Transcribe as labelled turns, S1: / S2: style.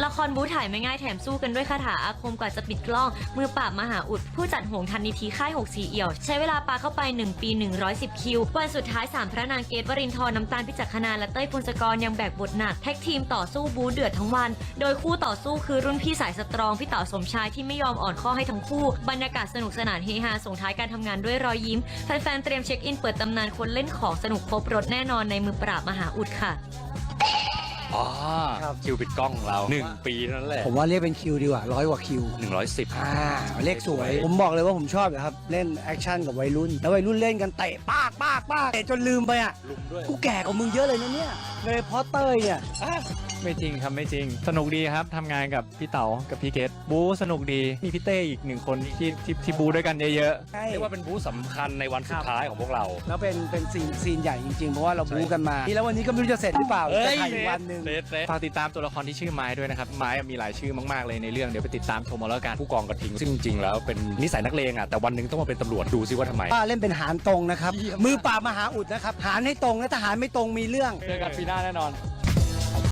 S1: ละครบู๊ถ่ายไม่ง่ายแถมสู้กันด้วยคาถาอาคมกว่าจะปิดกล้องมือปราบมหาอุดผู้จัดหงทันนิธิค่าย6สีเอี่ยวใช้เวลาปาเข้าไป1 ปี110 คิววันสุดท้าย3พระนางเกตวรินทร์น้ำตาลพิจักขณาและเต้ยพงศกรยังแบกบทหนักแท็กทีมต่อสู้บู๊เดือดทั้งวันโดยคู่ต่อสู้คือรุ่นพี่สายสตรองพี่เต๋าสมชายที่ไม่ยอมอ่อนข้อให้ทั้งคู่บรรยากาศสนุกสนานเฮฮาส่งท้ายการทำงานด้วยรอยยิ้มแฟนๆเตรียมเช็คอินเปิดตำนานคนเล่นของสนุกครบรถแน่นอนในมือปราบมหาอุดค่ะ
S2: อ๋อ
S3: ครับ
S2: คิวปิดกล้องของเรา1 ปีนั่นแหละ
S3: ผมว่าเรียกเป็นคิวดีกว่า100 กว่าคิว
S2: 110
S3: เลขสวย ผมบอกเลยว่าผมชอบนะครับเล่นแอคชั่นกับวัยรุ่นแล้ววัยรุ่นเล่นกันเตะปากเตะจนลืมไปอ่ะ
S2: ลุมด้วย
S3: กูแก่กว่ามึงเยอะเลยนะเนี่ยโดยเฉพาะเต้ยเนี่ย
S4: ไม่จริงครับไม่จริงสนุกดีครับทำงานกับพี่เต๋ากับพี่เกตบู๊สนุกดีมีพี่เต้อีก1 คนที่บู๊ด้วยกันเยอะ
S3: ใช่
S2: เรียกว่าเป็นบูธสำคัญในวันสุดท้ายของพวกเรา
S3: แล้วเป็นซีนใหญ่จริงๆเพราะว่าเราบู๊กันมาแล้ววันนี้ก็ไม่รู้จะเสร็จหรือเปล่าจะถ่ายอีกวันหนึ่ง
S4: ๆฝากติดตามตัวละครที่ชื่อไม้ด้วยนะครับไม้มีหลายชื่อมากๆเลยในเรื่องเดี๋ยวไปติดตามชมเอาแล้วกัน
S2: ผู้กองกระทิงซึ่งจริงๆแล้วเป็นนิสัยนักเลงอ่ะแต่วันหนึงต้องมาเป็นตำรวจดูซิว่าทำไม
S3: ป้าเล่นเป็นหารตรงนะครับมือปราบมหาอุดนะครับหารให้ตรงและถ้าหารไม่ตรงมีเรื่อง
S4: เจอกันปีหน้าแน่นอน